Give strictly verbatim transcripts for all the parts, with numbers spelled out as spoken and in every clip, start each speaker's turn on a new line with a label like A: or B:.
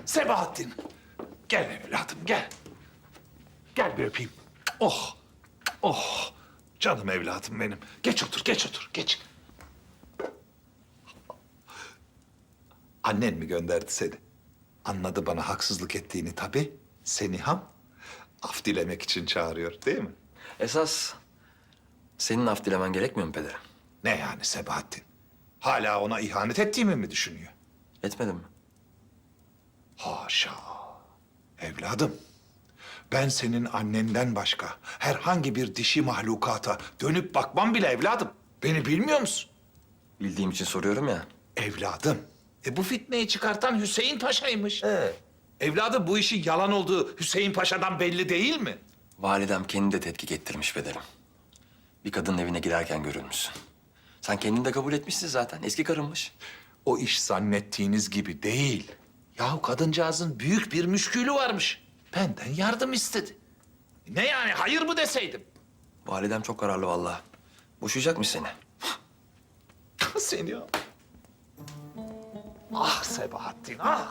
A: Sebahattin. Gel evladım gel. Gel bir öpeyim. Oh. Oh. Canım evladım benim. Geç otur, geç otur, geç. Annen mi gönderdi seni? Anladı bana haksızlık ettiğini tabii. Seni ham af dilemek için çağırıyor değil mi?
B: Esas senin af dilemen gerekmiyor mu pederim?
A: Ne yani Sebahattin? Hala ona ihanet ettiğimi mi düşünüyor?
B: Etmedin mi?
A: Haşa. Evladım, ben senin annenden başka herhangi bir dişi mahlukata dönüp bakmam bile evladım. Beni bilmiyor musun?
B: Bildiğim için soruyorum ya.
A: Evladım, e bu fitneyi çıkartan Hüseyin Paşa'ymış.
B: Ee?
A: Evladım bu işin yalan olduğu Hüseyin Paşa'dan belli değil mi?
B: Validem kendi de tetkik ettirmiş pederim. Bir kadının evine girerken görülmüşsün. Sen kendin de kabul etmişsin zaten. Eski karınmış.
A: O iş zannettiğiniz gibi değil. Yahu kadıncağızın büyük bir müşkülü varmış. Benden yardım istedi. Ne yani hayır mı deseydim?
B: Validem çok kararlı vallahi. Boşayacakmış seni.
A: Seni ya. Ah Sebahattin ah.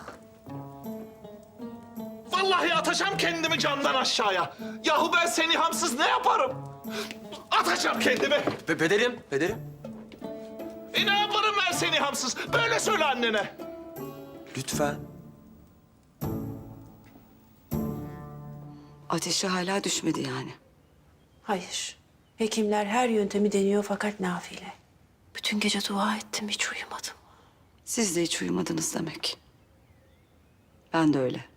A: Vallahi atacağım kendimi camdan aşağıya. Yahu ben seni hamsız ne yaparım? Atacağım kendimi.
B: Pe pederim, pederim.
A: E ne yaparım ben seni hamsız? Böyle söyle annene.
B: Lütfen.
C: Ateşi hala düşmedi yani.
D: Hayır. Hekimler her yöntemi deniyor fakat nafile. Bütün gece dua ettim, hiç uyumadım.
C: Siz de hiç uyumadınız demek. Ben de öyle.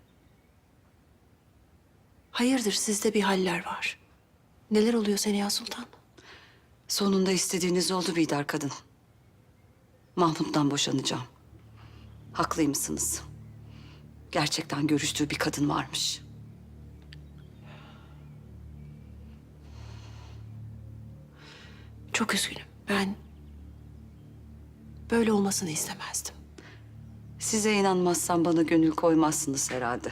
D: Hayırdır, sizde bir haller var. Neler oluyor Seniha Sultan?
C: Sonunda istediğiniz oldu Bidar kadın. Mahmut'tan boşanacağım. Haklıymışsınız. Gerçekten görüştüğü bir kadın varmış.
D: Çok üzgünüm. Ben böyle olmasını istemezdim.
C: Size inanmazsam bana gönül koymazsınız herhalde.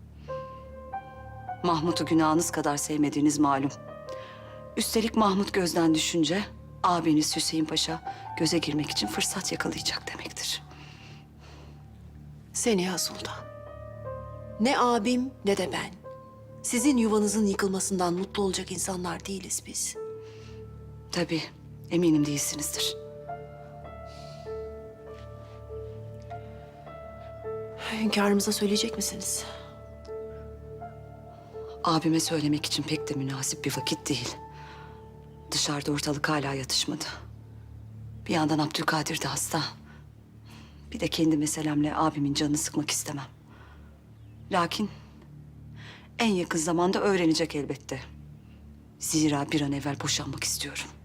C: Mahmut'u günahınız kadar sevmediğiniz malum. Üstelik Mahmut gözden düşünce abiniz Hüseyin Paşa göze girmek için fırsat yakalayacak demektir.
D: Seniha Sultan. Ne abim ne de ben. Sizin yuvanızın yıkılmasından mutlu olacak insanlar değiliz biz.
C: Tabii eminim değilsinizdir.
D: Hünkârımıza söyleyecek misiniz?
C: Abime söylemek için pek de münasip bir vakit değil. Dışarıda ortalık hala yatışmadı. Bir yandan Abdülkadir de hasta. Bir de kendi meselemle abimin canını sıkmak istemem. Lakin en yakın zamanda öğrenecek elbette. Zira bir an evvel boşanmak istiyorum.